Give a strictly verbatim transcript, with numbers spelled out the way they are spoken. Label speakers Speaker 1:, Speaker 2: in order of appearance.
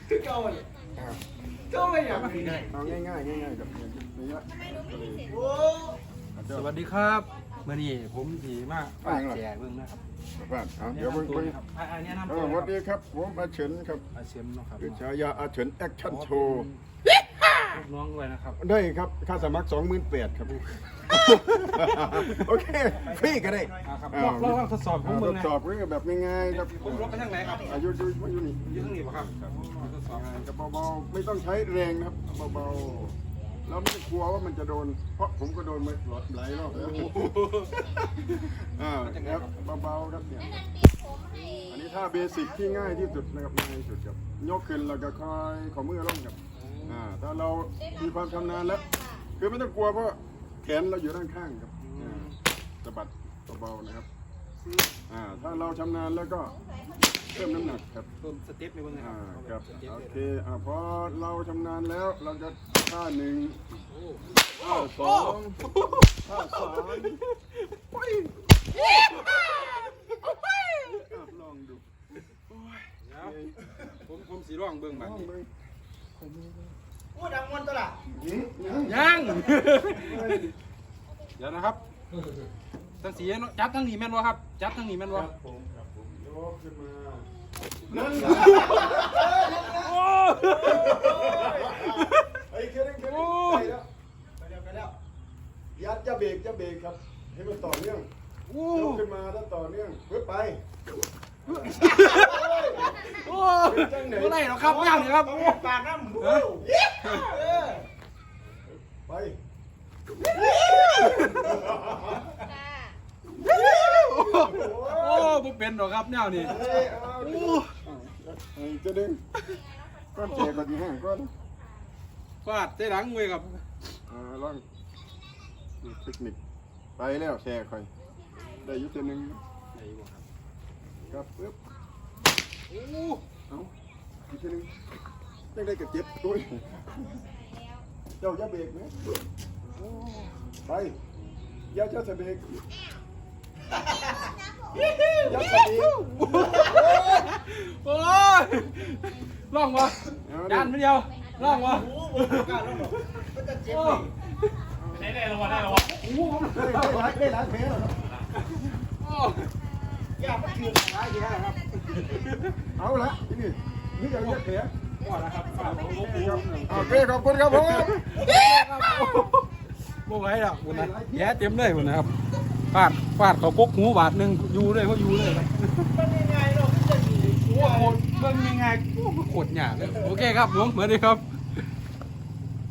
Speaker 1: เก่าเลยเก่าเลยอย่างนี้
Speaker 2: เอาง่ายง่ายง่ายๆกับนี่ละ
Speaker 1: โอ้
Speaker 3: สวัสดีครับเมื่อนี้ผมสีมากฝากแจกเบิ่งนะครับ
Speaker 2: บ้านเอาเดี๋ยวเพิ่ง
Speaker 3: ตัว
Speaker 2: เพิ่ง
Speaker 3: นะครับอันนี้นำ
Speaker 2: เอ
Speaker 3: ตัว
Speaker 2: อสวัสดีครับผมอาเฉินครับ
Speaker 3: อาเชมเนาะครับ
Speaker 2: คือฉายาอาเฉินแอคชั่นโชว์
Speaker 3: ลูกน้องด้วยนะครับ
Speaker 2: ได้ครับค่าสมัครสองหมื่นแปดครับโอเคฟรีก็ได้
Speaker 3: อ่าครับลองลองลองทดสอบผม
Speaker 2: ท
Speaker 3: เบิ่ง
Speaker 2: ด
Speaker 3: นะ
Speaker 2: สอบเรื่องแบบง่ายๆครับ
Speaker 3: ผมรถไปทางไหนครับ
Speaker 2: อายุอยู่อยู่นี่
Speaker 3: อยู่ทางนี้ป่ะครับทดสอบ
Speaker 2: กับเบาๆไม่ต้องใช้แรงนะครับเบาๆแล้วไม่ต้องกลัวว่ามันจะโดนเพราะผมก็โดนมาหลายรอบแล้วอ่าครับเบาๆครับเนี่ยอันนี้ท่าเบสิกที่ง่ายที่สุดนะครับง่ายที่สุดครับยกขึ้นแล้วก็คอยขอมือลงครับอ่าถ้าเรามีความชำนาญแล้วคือไม่ต้องกลัวเพราะแขนเราอยู่ด้านข้างครับอ่าสะบัดเบาๆนะครับอ่าถ้าเราชำนาญแล้วก็เพิ่มน้ำหนักครับ
Speaker 3: เพิ่มสเต็ปในเบิ่งนะค
Speaker 2: อ่า
Speaker 3: รับ
Speaker 2: ครับโอเคอ่าพอเราชำนาญแล้วเราจะท่าหนึ่งท่าสองท่าสามอ่ะลองดู
Speaker 3: เดี๋ยวผมผมสีร่องเบิ่ง
Speaker 2: ล
Speaker 3: แบบ
Speaker 2: อง
Speaker 3: นี้
Speaker 2: ดู
Speaker 1: โหดังมันตัวละ
Speaker 2: หืมยัง
Speaker 3: ยังเดี๋ยวนะครับทั้งสีจับทั้งนี้แม่นวะครับจับทั้งนี้แม่นวะ
Speaker 2: ผมครับผมยกขึ้นมานั่น
Speaker 3: โอ้
Speaker 2: ไอ้เครื่องเครื่องไปแล้ว
Speaker 1: ไปแล้วไปแล้ว
Speaker 2: ยัดจะเบรกจะเบรกครับให้มันต่อเนื่อง
Speaker 3: โอ้
Speaker 2: ยกขึ้นมาแล้วต่อเนื่องเพื่อไป
Speaker 3: โอ้ไม่ได้หรอกครับย่างนี่ครับ
Speaker 1: ปากน้ำเออ
Speaker 2: ไป
Speaker 3: โอ้ผมเป็นหรอกครับแนวนี่
Speaker 2: เฮ้ยเอาดิไอ้จะดึงก้อนเจก่อนที่ห้างก้อน
Speaker 3: ฟาดเตะหลังเว้ยครับ
Speaker 2: อ่าลองเทคนิคไปแล้วแชร์คอยได้อยุติหนึ่งครับปึ๊บ
Speaker 3: โอ้
Speaker 2: เอาอีกทีหนึงยังได้กับเจ็บด้วยเจ้าจะเบรกไหมไปอย่าเจ้าจะเบรกอย่าจะเบรก
Speaker 3: โอ้ยล่องวะจานไม่เดียวล่องวะ
Speaker 1: โอ้โหการแล้วหรอมันจะเจ็บ
Speaker 3: โอ้
Speaker 1: เลย
Speaker 3: ได้ได้รางวัลได้รางวัล
Speaker 2: โอ้โหได้ได้หลายได้หลายแผลแล้วครับ
Speaker 3: โอ้
Speaker 1: ยามันคือหลายแย่ครับ
Speaker 2: เอาละที่นี่นี่ยังเยอะแผล
Speaker 3: ว่าแล้วครับฝากผมผมผม
Speaker 2: โอเคขอบคุณครับผม
Speaker 3: บ่ไหวแล้ววันนั้นแย่เต็มเลยวันนะครับฟาดฟาดเขากกหูบาทหนึ่งอยู่เลยเขาอยู่เลย
Speaker 1: มันยังไงเนาะมันจะมี
Speaker 3: โอ้โหเบิ่งยังไงโอ้โหโคตรหยาบเลยโอเคครับผมเหมือนเดิมครับ